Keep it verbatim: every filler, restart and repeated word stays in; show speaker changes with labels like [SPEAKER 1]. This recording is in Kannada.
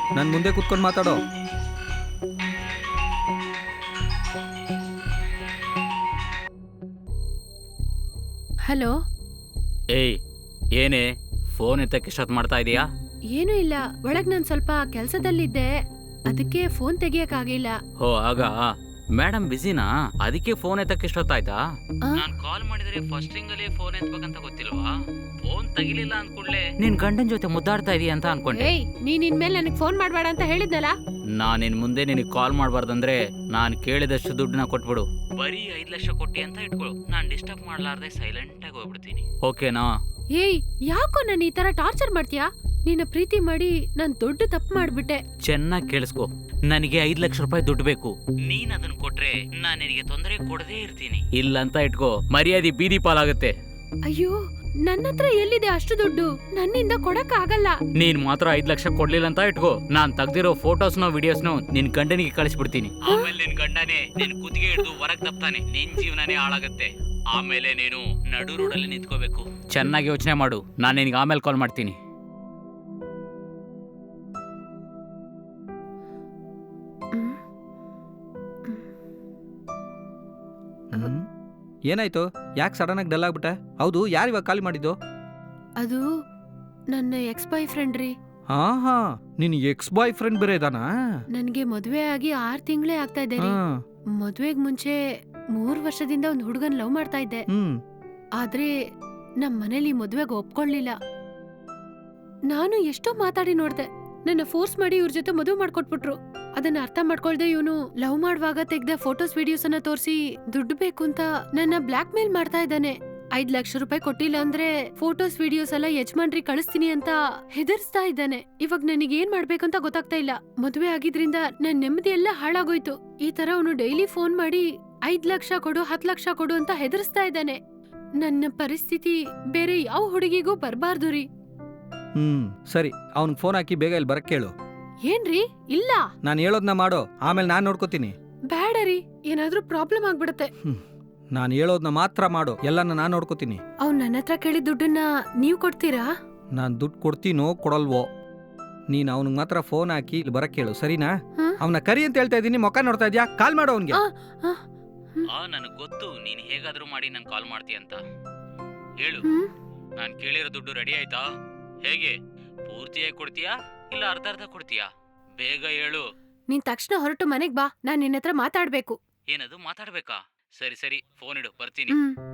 [SPEAKER 1] ನನ್ನ ಮುಂದೆ ಕುತ್ಕೊಂಡು ಮಾತಾಡೋ.
[SPEAKER 2] ಹಲೋ.
[SPEAKER 3] ಏಯ್, ಏನೇ ಫೋನ್ ಎತ್ತಕ್ಕೆ ಇಷ್ಟೊತ್ತು ಮಾಡ್ತಾ ಇದೀಯಾ?
[SPEAKER 2] ಏನೂ ಇಲ್ಲ, ಒಳಗ್ ನಾನು ಸ್ವಲ್ಪ ಕೆಲಸದಲ್ಲಿದ್ದೆ, ಅದಕ್ಕೆ ಫೋನ್ ತೆಗಿಯಕ್ಕಾಗಿಲ್ಲ.
[SPEAKER 3] ಹೋ ಆಗ ಮೇಡಮ್ ಬಿಸಿನಾ? ಅದಕ್ಕೆ ಫೋನ್ ಎತ್ತಕ್ಕೆ ಇಷ್ಟೊತ್ತಾಯ್ತಾ?
[SPEAKER 2] ಆ?
[SPEAKER 3] ನಾನು ಕಾಲ್ ಮಾಡಿದ್ರೆ ಫಸ್ಟ್ ರಿಂಗ್ ಅಲ್ಲಿ ಫೋನ್ ಎತ್ಬೇಕಂತ ಗೊತ್ತಿಲ್ವಾ? ಫೋನ್ ತಗಿಲಿಲ್ಲ ಅನ್ಕೊಂಡ್ಲೆ ನಿನ್ ಗಂಡನ್ ಜೊತೆ ಮುದ್ದಾಡ್ತಾ ಇದೀಯ ಅಂತ ಅನ್ಕೊಂಡೆ.
[SPEAKER 2] ಏಯ್, ನೀನ್ ಇನ್ಮೇಲೆ ನನಗೆ ಫೋನ್ ಮಾಡಬೇಡ ಅಂತ ಹೇಳಿದ್ನಲ್ಲ.
[SPEAKER 3] ನಾನ್ ಇನ್ ಮುಂದೆ ನಿನಗೆ ಕಾಲ್ ಮಾಡಬಾರ್ದಂದ್ರೆ ನಾನ್ ಕೇಳಿದಷ್ಟು ದುಡ್ಡನ್ನ ಕೊಟ್ಬಿಡು. ಬರೀ ಐದ್ ಲಕ್ಷ ಕೊಟ್ಟಿ ಅಂತ ಇಟ್ಕೊಳು. ನಾನ್ ಡಿಸ್ಟರ್ಬ್ ಮಾಡ್ಲಾರ್ದೆ ಸೈಲೆಂಟ್ ಆಗಿ ಹೋಗ್ಬಿಡ್ತೀನಿ, ಓಕೆನಾ?
[SPEAKER 2] ಏಯ್, ಯಾಕೋ ನಾನು ಈ ತರ ಟಾರ್ಚರ್ ಮಾಡ್ತೀಯಾ? ನಿನ್ನ ಪ್ರೀತಿ ಮಾಡಿ ನಾನ್ ದೊಡ್ಡ ತಪ್ಪು ಮಾಡ್ಬಿಟ್ಟೆ.
[SPEAKER 3] ಚೆನ್ನಾಗಿ ಕೇಳಿಸ್ಕೊ, ನನಗೆ ಐದ್ ಲಕ್ಷ ರೂಪಾಯಿ ದುಡ್ಡು ಬೇಕು. ನೀನ್ ಅದನ್ನ ಕೊಟ್ರೆ ನಾನ್ ನಿನಗೆ ತೊಂದರೆ ಕೊಡದೇ ಇರ್ತೀನಿ. ಇಲ್ಲ ಅಂತ ಇಟ್ಕೋ, ಮರ್ಯಾದೆ ಬೀದಿ ಪಾಲಾಗುತ್ತೆ.
[SPEAKER 2] ಅಯ್ಯೋ, ನನ್ನ ಹತ್ರ ಎಲ್ಲಿದೆ ಅಷ್ಟು ದುಡ್ಡು? ನನ್ನಿಂದ ಕೊಡಕ್ ಆಗಲ್ಲ.
[SPEAKER 3] ನೀನ್ ಮಾತ್ರ ಐದ್ ಲಕ್ಷ ಕೊಡ್ಲಿಲ್ಲ ಅಂತ ಇಟ್ಕೋ, ನಾನ್ ತೆಗ್ದಿರೋ ಫೋಟೋಸ್ನೋ ವಿಡಿಯೋಸ್ನೋ ನಿನ್ ಗಂಡನಿಗೆ ಕಳಿಸ್ಬಿಡ್ತೀನಿ. ಆಮೇಲೆ ನಿನ್ ಗಂಡನೇ ನಿನ್ ಕುತ್ತಿಗೆ ಹಿಡಿದು ಹೊರಗ್ ತಪ್ತಾನೆ, ನಿನ್ ಜೀವನನೇ ಹಾಳಾಗುತ್ತೆ. ಆಮೇಲೆ ನೀನು ನಡು ರೋಡಲ್ಲಿ ನಿಂತ್ಕೋಬೇಕು. ಚೆನ್ನಾಗಿ ಯೋಚನೆ ಮಾಡು, ನಾನ್ ನಿನ್ಗೆ ಆಮೇಲೆ ಕಾಲ್ ಮಾಡ್ತೀನಿ.
[SPEAKER 1] ಹ್ಮ್. ಏನಾಯ್ತು? ಯಾಕೆ ಸಡನ್ ಆಗಿ ಡಲ್ ಆಗ್ಬಿಟ್ಟೆ? ಹೌದು, ಯಾರು ಇವಾಗ ಕಾಲ್ ಮಾಡಿದ್ದು?
[SPEAKER 2] ಅದು ನನ್ನ ಎಕ್ಸ್ ಬಾಯ್ ಫ್ರೆಂಡ್ ರೀ.
[SPEAKER 1] ಹಾ ಹಾ ನಿನ್ ಎಕ್ಸ್ ಬಾಯ್ ಫ್ರೆಂಡ್ ಬೇರೆ ಇದಾನಾ?
[SPEAKER 2] ನನ್ಗೆ ಮದ್ವೆ ಆಗಿ ಆರ್ ತಿಂಗಳೇ ಆಗ್ತಾ ಇದೆ ರೀ.
[SPEAKER 1] ಹಾ.
[SPEAKER 2] ಮದ್ವೆಗ್ ಮುಂಚೆ ಮೂರ್ ವರ್ಷದಿಂದ ಒಂದ್ ಹುಡುಗನ್ ಲವ್ ಮಾಡ್ತಾ ಇದ್ದೆ.
[SPEAKER 1] ಹ್ಮ್
[SPEAKER 2] ಆದ್ರೆ ನಮ್ ಮನೇಲಿ ಮದ್ವೆಗ್ ಒಪ್ಕೊಳ್ಳಿಲ್ಲ. ನಾನು ಎಷ್ಟೋ ಮಾತಾಡಿ ನೋಡ್ದೆ, ನನ್ನ ಫೋರ್ಸ್ ಮಾಡಿ ಇವ್ರ ಜೊತೆ ಮದುವೆ ಮಾಡ್ಕೊಟ್ಬಿಟ್ರು. ಅದನ್ನ ಅರ್ಥ ಮಾಡ್ಕೊಳ್ದೆ ಇವನು ಲವ್ ಮಾಡುವಾಗ ತೆಗ್ದ ಫೋಟೋಸ್ ವಿಡಿಯೋಸ್ ಅನ್ನ ತೋರಿಸಿ ದುಡ್ಡು ಬೇಕು ಅಂತ ನನ್ನ ಬ್ಲಾಕ್ ಮೇಲ್ ಮಾಡ್ತಾ ಇದ್ದಾನೆ. ಐದ್ ಲಕ್ಷ ರೂಪಾಯಿ ಕೊಟ್ಟಿಲ್ಲ ಅಂದ್ರೆ ಫೋಟೋಸ್ ವಿಡಿಯೋಸ್ ಎಲ್ಲ ಯಜಮಾನ್ರಿಗೆ ಕಳಿಸ್ತೀನಿ ಅಂತ ಹೆದರ್ಸ್ತಾ ಇದ್ದಾನೆ. ಇವಾಗ ನನಗೆ ಏನ್ ಮಾಡ್ಬೇಕಂತ ಗೊತ್ತಾಗ್ತಾ ಇಲ್ಲ. ಮದುವೆ ಆಗಿದ್ರಿಂದ ನನ್ ನೆಮ್ಮದಿ ಎಲ್ಲ ಹಾಳಾಗೋಯ್ತು. ಈ ತರ ಅವನು ಡೈಲಿ ಫೋನ್ ಮಾಡಿ ಐದ್ ಲಕ್ಷ ಕೊಡು, ಹತ್ ಲಕ್ಷ ಕೊಡು ಅಂತ ಹೆದರ್ಸ್ತಾ ಇದ್ದಾನೆ. ನನ್ನ ಪರಿಸ್ಥಿತಿ ಬೇರೆ ಯಾವ ಹುಡುಗಿಗೂ ಬರ್ಬಾರ್ದು ರೀ.
[SPEAKER 1] ಹ್ಮ್ ಸರಿ, ಅವ್ನಿಗೆ ಫೋನ್ ಹಾಕಿ ಬೇಗ ಇಲ್ಲಿ ಬರಕ್ ಕೇಳು.
[SPEAKER 2] ಏನ್ರಿ? ಇಲ್ಲ,
[SPEAKER 1] ನಾನು ಹೇಳೋದ್ನ ಮಾಡೋ, ಆಮೇಲೆ ನಾನು ನೋಡ್ಕೋತೀನಿ.
[SPEAKER 2] ಬೇಡ ರೀ, ಏನಾದ್ರೂ ಪ್ರಾಬ್ಲಮ್ ಆಗ್ಬಿಡತ್ತೆ.
[SPEAKER 1] ನಾನು ಹೇಳೋದ್ನ ಮಾತ್ರ ಮಾಡು, ಎಲ್ಲಾನ ನಾನು ನೋಡ್ಕೋತೀನಿ.
[SPEAKER 2] ಅವ್ನ್ ನನ್ನ ಹತ್ರ ಕೇಳಿದ ದುಡ್ಡನ್ನ ನೀವ್ ಕೊಡ್ತೀರಾ?
[SPEAKER 1] ನಾನು ದುಡ್ಡು ಕೊಡ್ತೀನೋ ಕೊಡಲ್ವೋ, ನೀನ್ ಅವನಿಗೆ ಮಾತ್ರ ಫೋನ್ ಹಾಕಿ ಇಲ್ಲಿ ಬರಕ್ ಕೇಳು, ಸರಿನಾ?
[SPEAKER 2] ಹ?
[SPEAKER 1] ಅವನ ಕರಿ ಅಂತ ಹೇಳ್ತಾ ಇದೀನಿ, ಮೊಕ್ಕ ನೋಡ್ತಾ ಇದ್ಯಾ? ಕಾಲ್ ಮಾಡು ಅವನ್ಗೆ.
[SPEAKER 2] ಆ, ಆ, ಹ್ಮ್.
[SPEAKER 3] ಆ ನನಗ್ ಗೊತ್ತು ನೀನ್ ಹೇಗಾದ್ರೂ ಮಾಡಿ ನಂಗೆ ಕಾಲ್ ಮಾಡ್ತೀಯ ಅಂತ. ಹೇಳು,
[SPEAKER 2] ಹ್ಮ್?
[SPEAKER 3] ನಾನ್ ಕೇಳಿರೋ ದುಡ್ಡು ರೆಡಿ ಆಯ್ತಾ? ಹೇಗೆ, ಪೂರ್ತಿಯಾಗಿ ಕೊಡ್ತೀಯಾ ಇಲ್ಲ ಅರ್ಧ ಅರ್ಧ ಕೊಡ್ತೀಯಾ? ಬೇಗ ಹೇಳು.
[SPEAKER 2] ನೀನ್ ತಕ್ಷಣ ಹೊರಟು ಮನೆಗ್ ಬಾ, ನಾನ್ ನಿನ್ನ ಹತ್ರ ಮಾತಾಡ್ಬೇಕು.
[SPEAKER 3] ಏನದು ಮಾತಾಡ್ಬೇಕಾ? ಸರಿ ಸರಿ, ಫೋನ್ ಇಡು, ಬರ್ತೀನಿ.
[SPEAKER 2] ಹ್ಮ್